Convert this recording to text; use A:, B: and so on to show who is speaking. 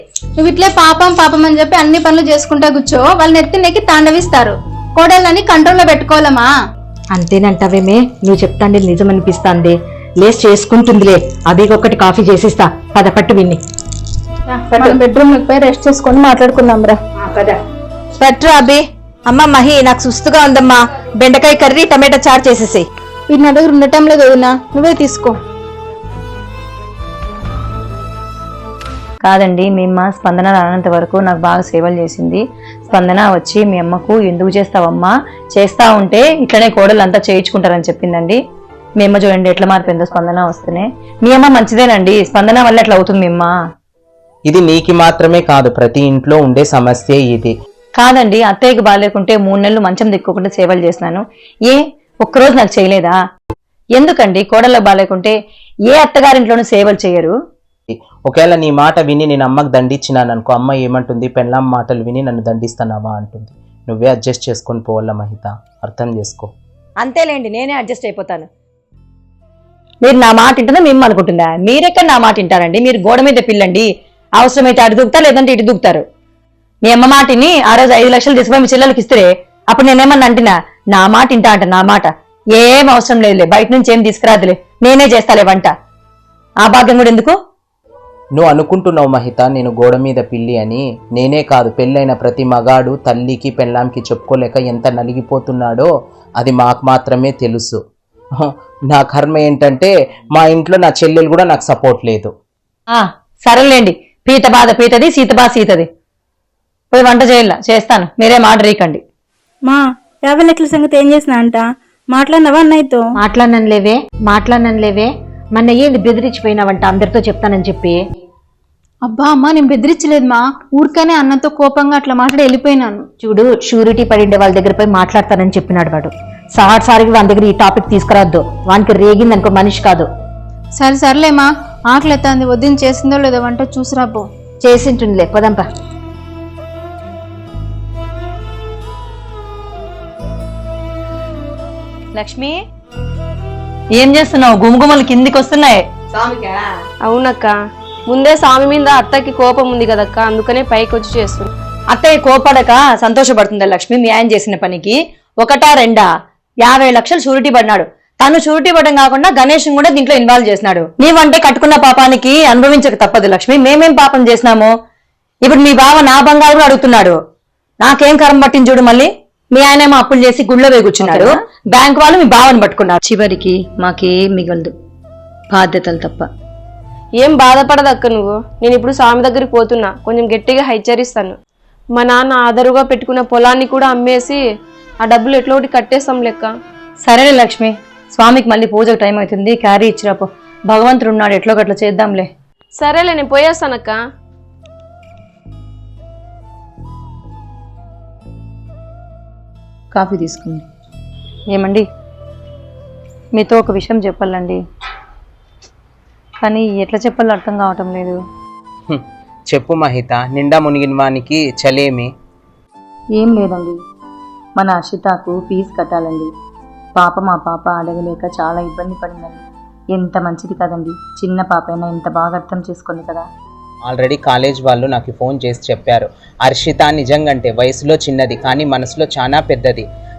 A: నువ్వు ఇట్లే పాపం పాపం అని చెప్పి అన్ని పనులు చేసుకుంటా కూర్చో, వాళ్ళని ఎత్తినెక్కి తాండవిస్తారు. కోడళ్ళని కంట్రోల్లో పెట్టుకోవాలమ్మా.
B: అంతేనంటావేమే? నువ్వు చెప్తాండి నిజమనిపిస్తాంది. లేస్ చేసుకుంటుందిలే. అభికి ఒకటి కాఫీ చేసిస్తా. పట్టు విన్ని
A: బెడ్రూమ్ పోయి రెస్ట్ చేసుకొని మాట్లాడుకుందాం రా.
B: పట్టు అభి. అమ్మ మహి, నాకు సుస్తుగా ఉందమ్మా. బెండకాయ కర్రీ టమాటా చారు చేసేసి.
A: వీటి నా దగ్గర ఉండటం లేదు వదినా, నువ్వే తీసుకో.
C: కాదండి, మీ అమ్మ స్పందన రానంత వరకు నాకు బాగా సేవలు చేసింది. స్పందన వచ్చి మీ అమ్మకు ఎందుకు చేస్తావమ్మా, చేస్తా ఉంటే ఇట్లనే కోడలు అంతా చేయించుకుంటారని చెప్పిందండి. మీ అమ్మ చూడండి ఎట్లా మారిపోయిందో స్పందన వస్తేనే. మీ అమ్మ మంచిదేనండి, స్పందన వల్ల ఎట్లా అవుతుంది మీ అమ్మ.
D: ఇది నీకు మాత్రమే కాదు, ప్రతి ఇంట్లో ఉండే సమస్య ఇది.
C: కాదండి, అత్తయ్యకి బాగాలేకుంటే 3 నెలలు మంచం దిక్కోకుండా సేవలు చేసినాను. ఒక్కరోజు నాకు చేయలేదా? ఎందుకండి కోడళ్ళకి బాగాలేకుంటే ఏ అత్తగారింట్లోనూ సేవలు చేయరు?
D: ఒకవేళ నీ మాట విని నేను అమ్మకు దండించినాను అనుకో, అమ్మ ఏమంటుంది, పెళ్ళాం మాటలు విని నన్ను దండిస్తున్నావా అంటుంది. నువ్వే అడ్జస్ట్ చేసుకొని పోవాల మహిత, అర్థం చేసుకో.
C: అంతేలేండి, నేనే అడ్జస్ట్ అయిపోతాను. మీరు నా మాట వింటుందా మేము అనుకుంటుందా? మీరెక్కడ నా మాట వింటారండి? మీరు గోడ మీద పిల్లండి, అవసరమైతే అటు దూకుతారు, లేదంటే ఇటు దూకుతారు. మీ అమ్మ మాటిని ఆ రోజు 5 లక్షలు తీసుకుపోయి మీ చెల్లెలకి ఇస్తే అప్పుడు నేనేమన్నా అంటున్నా? నా మాట వింటా అంట. నా మాట ఏం అవసరం లేదులే, బయట నుంచి ఏం తీసుకురాదులే, నేనే చేస్తాలే వంట. ఆ భాగ్యం కూడా ఎందుకు?
D: నువ్వు అనుకుంటున్నావు మహిత నేను గోడ మీద పిల్లి అని. నేనే కాదు, పెళ్ళైన ప్రతి మగాడు తల్లికి పెళ్ళాంకి చెప్పుకోలేక ఎంత నలిగిపోతున్నాడో అది మాకు మాత్రమే తెలుసు. నా కర్మ ఏంటంటే మా ఇంట్లో నా చెల్లెలు కూడా నాకు సపోర్ట్ లేదు.
C: సరేలేండి, పీత బాధ పీతది, సీత బాధ సీతది. పోయి వంట చేస్తాను, మీరే మాట రీకండి.
E: మా 50 లక్షల సంగతి ఏం చేసినా అంట? మాట్లాడినవా అన్నయ్యతో?
B: మాట్లాడనలేవే. మొన్న ఏంది బెదిరించిపోయినావంట అందరితో చెప్తానని చెప్పి.
A: అబ్బా అమ్మా, నేను బెదిరించలేదు మా, ఊరికనే అన్నతో కోపంగా అట్లా మాట్లాడి వెళ్ళిపోయినాను.
B: చూడు, షూరిటీ పడిండే వాళ్ళ దగ్గర పోయి మాట్లాడతానని చెప్పినాడు వాడు. సారికి వాని దగ్గర ఈ టాపిక్ తీసుకురావద్దు. వానికి రేగింది అనుకో మనిషి కాదు.
A: సరేలేమా, ఆకలి ఎత్తాంది, వద్దని చేసిందో లేదో వంట చూసిరాపో.
B: చేసింటుందిలే, పదంపా.
C: లక్ష్మి, ఏం చేస్తున్నావు? గుమగుమలు కిందికి వస్తున్నాయి.
F: అవునక్క, ముందే స్వామి మీద అత్తకి కోపం ఉంది కదక్క, అందుకనే పైకి వచ్చి చేస్తుంది.
C: అత్తయ్య కోపడక సంతోషపడుతుందా లక్ష్మి? మీ ఆయన చేసిన పనికి 1-2 50 లక్షలు షూరిటీ పడినాడు. తను షూరిటీ పడడం కాకుండా గణేష్ కూడా దీంట్లో ఇన్వాల్వ్ చేసినాడు. నీవంటే కట్టుకున్న పాపానికి అనుభవించక తప్పదు లక్ష్మి. మేమేం పాపం చేసినాము? ఇప్పుడు మీ బావ నా బంగారు కూడా అడుగుతున్నాడు. నాకేం కరం పట్టింది చూడు. మళ్ళీ మీ ఆయనేమో అప్పులు చేసి గుళ్ళో వేయి కూర్చున్నాడు, బ్యాంక్ వాళ్ళు మీ బావని పట్టుకున్నారు. చివరికి మాకేం మిగలదు, బాధ్యతలు తప్ప.
F: ఏం బాధపడదక్క నువ్వు. నేను ఇప్పుడు స్వామి దగ్గరికి పోతున్నా, కొంచెం గట్టిగా హెచ్చరిస్తాను. మా నాన్న ఆదరుగా పెట్టుకున్న పొలాన్ని కూడా అమ్మేసి ఆ డబ్బులు ఎట్లా ఒకటి కట్టేస్తాం లెక్క.
C: సరేలే లక్ష్మి, స్వామికి మళ్ళీ పూజకు టైం అవుతుంది, క్యారీ ఇచ్చిరాపో. భగవంతుడు ఉన్నాడు, ఎట్లో గట్లా చేద్దాంలే.
F: సరేలే, నేను పోయేస్తానక్క.
C: కాఫీ తీసుకుంది. ఏమండి, మీతో ఒక విషయం చెప్పాలండి, కానీ ఎట్లా చెప్పాలో అర్థం కావటం లేదు.
D: చెప్పు మహిత, నిండా మునిగిన వానికి చలేమి.
C: ఏం లేదండి, మన అర్షితకు ఫీజు కట్టాలండి. మా పాప అడగలేక చాలా ఇబ్బంది పడిందండి. ఎంత మంచిది కదండి, చిన్న పాప అయినా ఎంత బాగా అర్థం చేసుకుంది కదా.
D: ఆల్రెడీ కాలేజ్ వాళ్ళు నాకు ఫోన్ చేసి చెప్పారు, హర్షిత నిజంగంటే వయసులో చిన్నది కానీ మనసులో చాలా పెద్దది.